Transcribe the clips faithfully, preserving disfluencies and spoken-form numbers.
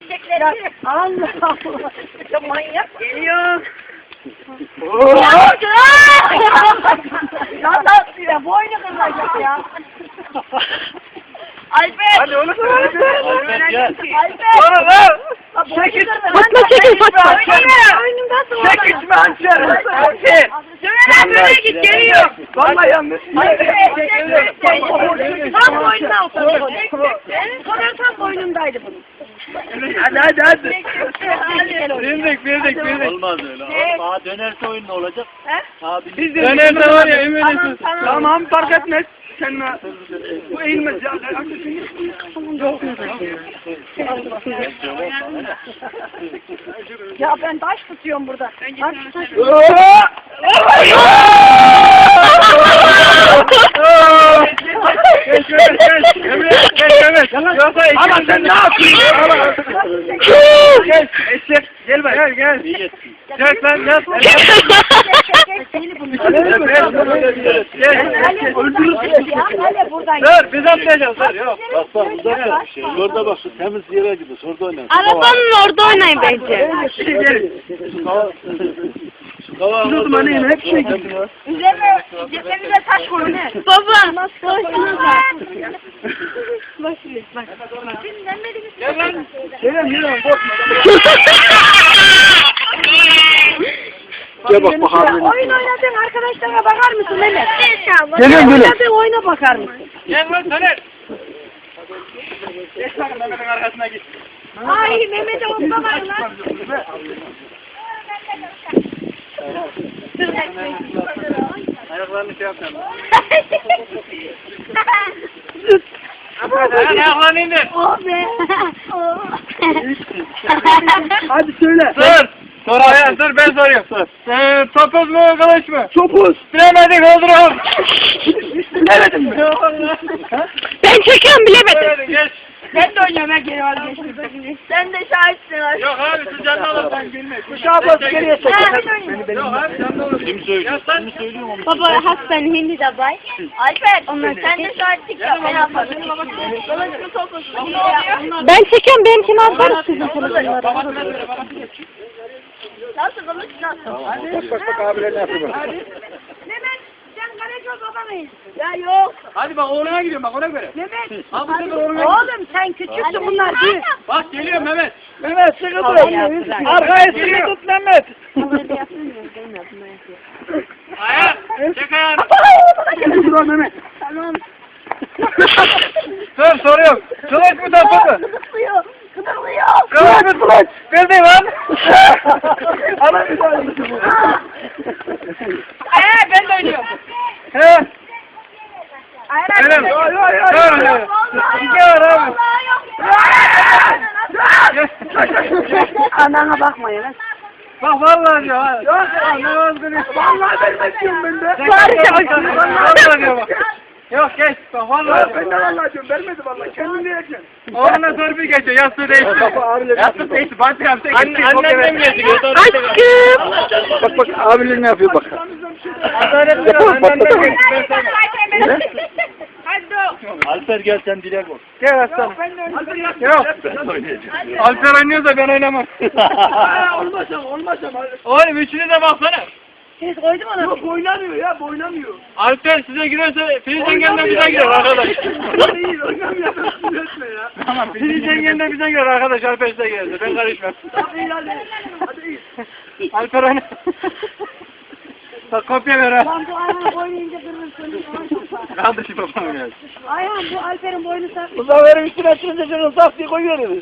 Ya, Allah Allah. Ya manyak geliyor. Ya nasıl ya? Boynu kırılacak ya. Alper. Hadi onu söyle. Alper gel. Alper. Çekil. Fatma çekil Fatma. Çekil hançer. Hançer. Söyle böyle git geliyor. Vallahi yanlış. Tam boynuna oturdu. Sonra tam boynundaydı bunun. Hadi hadi hadi. Bildik bildik bildik. Olmaz öyle. Aa dönerse oyun ne olacak? He? Abi Biz de dönerse var ya eminim. Tamam, tamam. Tamam fark etmez. Sen bu eğilmez ya. Ya ben taş tutuyorum burada. Taş taş. Geç geç geç. Emre geç Emre. Yoksa ama sen ne yapıyorsun? Geç eşek. Gel bak gel gel. Gel lan gel. Dur biz atlayacağız dur yok. Bak bak uzak bir şey. Orada bak şu temiz yere gidiyor. Orada oynayın. Arabanın orada oynayın bence. Biz o zaman yine hep şey gidiyor. Üzerine, üzerine taş koyun he. Baba. Boşuna bak. Gel lan. Gel lan yürü korkma. Gel bak bakalım. Oyun oynadığın arkadaşlarına bakar mısın Mehmet? Geliyorum, geliyorum. Oynadığın oyuna bakar mısın? Gel lan Soner. Geç bakın Mehmet'in arkasına git. Ay Mehmet'e olsa var lan. Ayaklarını şey yapacağım. Ayaklarını indir. Oh be. Hadi söyle. Sor. Sor ayağı sor ben soruyorum. Sor. Ee, topuz mu kılıç mı? Topuz. Bilemedik öldürüyorum. Bilemedin mi? Ben çekiyorum bilemedim. Bilemedin geç. Ben de oynuyorum ha geri var geçtim. Sen de şahitsin abi. Yok abi siz canlı alırsan gülme. Kuşağı bas geriye çek. Yok abi canlı alırsın. Kim söylüyor? Kim söylüyor onu? Baba hasben hindi de bay. Alper sen de şahitlik yap. Ben yaparım. Kılıç mı topuz mu? Ben çekiyorum benimkini atarım sizin telefonlara. Nasıl kılıç nasıl? Bak bak bak abiler ne yapıyor bak. Mehmet sen Karaköz baba mıyız? Ya yok. Hadi bak oğluna gidiyorum bak ona göre. Mehmet. Abi sen de oğluna Oğlum sen küçüksün bunlar büyük. Bak geliyor Mehmet. Mehmet sıkı tut. Arkaya sıkı tut Mehmet. Ayak. Çek ayağını. Dur Mehmet. Tamam. Sor soruyorum. Kılıç mı topuz mu? Kıpırlıyor. Kıpırlıyor. Kılıç mı kılıç? Bildi lan. Ana bir tane. Ee ben de oynuyorum. He. Hayır Öyle mi? Yok yok yok. İki var abi. Anana bakmayın. Bak vallahi diyor ha. Yok ne oldu? Vallahi ben bekliyorum ben de. Vallahi diyor bak. Yok geç. Bak vallahi. Ben de vallahi diyorum. Vermedi vallahi. Kendin diyeceksin. Oğluna sor bir gece. Yastığı değişti. Yastığı değişti. Bantı yaptı. Annem getiriyor. Aşkım. Bak bak abiler ne yapıyor bak. Adalet biraz annemden geçti. Alper gel sen direkt ol. Gel aslanım. Yok. Ben oynayacağım. Alper oynuyor da ben oynamam. Olmaz ama olmaz ama. Oğlum üçünü de baksana. Siz koydum ona. Yok oynamıyor ya oynamıyor. Alper size girerse Filiz Engel'den bize girer arkadaş. Değil oynamıyor. Sinir etme ya. Tamam Filiz Engel'den bize girer arkadaş. Alper size girerse ben karışmam. Hadi hadi. Hadi iyi. Alper oyna. Bak kopya ver ha. Lan bu ayağın oynayınca kırmızı. Kaldı şu babam geldi. Ayağım bu Alper'in boynu sarkmış. Bu sefer üstüne açınca şunu saf diye koyuyoruz.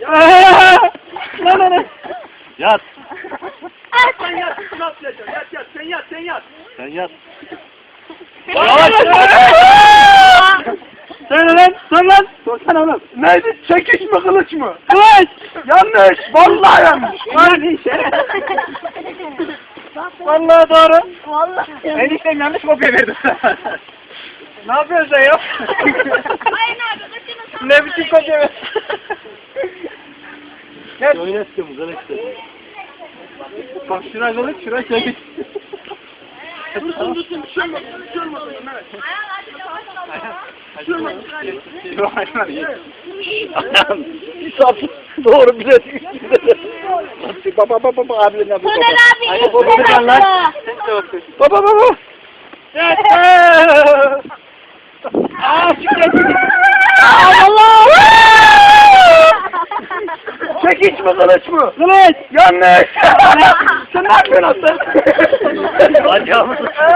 Lan lan. Yat. Sen yat, üstüne atlayacaksın. Yat yat, sen yat, sen yat. Sen yat. Yavaş. Söyle lan, sor lan. Sorsana oğlum. Neydi? Çekiş mi, kılıç mı? Kılıç. Yanlış. Vallahi yanlış. Yanlış. Vallahi doğru. Vallahi. Eniştem yanlış kopya verdi. Ne yapıyorsun sen ya? Aynen abi. Kaçını Ne biçim kopya ver? Gel. Oynattım kılıçtı. Bak şuraya kılıç, şuraya çekiş. Dursun dursun bir şey olmaz. Bir şey olmaz. Bir şey olmaz. Yok hayvan iyi. Ayağım. Bir sap. Doğru bize. Baba baba baba abilerine baba. Soner abi Ay, ilk baba, sen baba, lan. attı. Baba baba. Aa çıkıyor. Allah! Çekiç mi kılıç mı? Kılıç. Yanlış. Sen ne yapıyorsun aslan? Bacağımı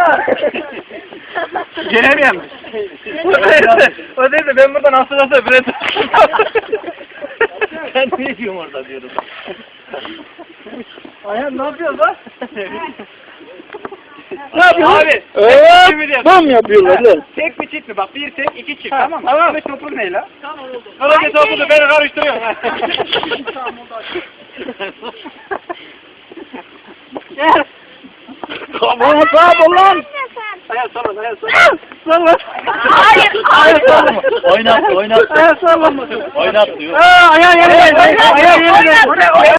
Gelemiyorum. O değil de ben buradan asıl asıl bile Sen ne diyorsun orada diyorum. Ayhan ne yapıyorsun lan? Ne yapıyorsun? Abi. Evet. Tam yapıyorlar lan. Tek mi çift mi? Bak bir tek iki çift Ha, tamam mı? tamam. Ve topun ne la? Tamam oldu. Kılıcı topunu beni karıştırıyorsun. Tamam oldu. Tamam tamam lan. Ayağı sallan ayağı sallan. Sallan. Hayır. Hayır sallama. Oynat oynat. Ayağı sallama. Oynat diyor. Aa ayağı yere. Ayağı yere.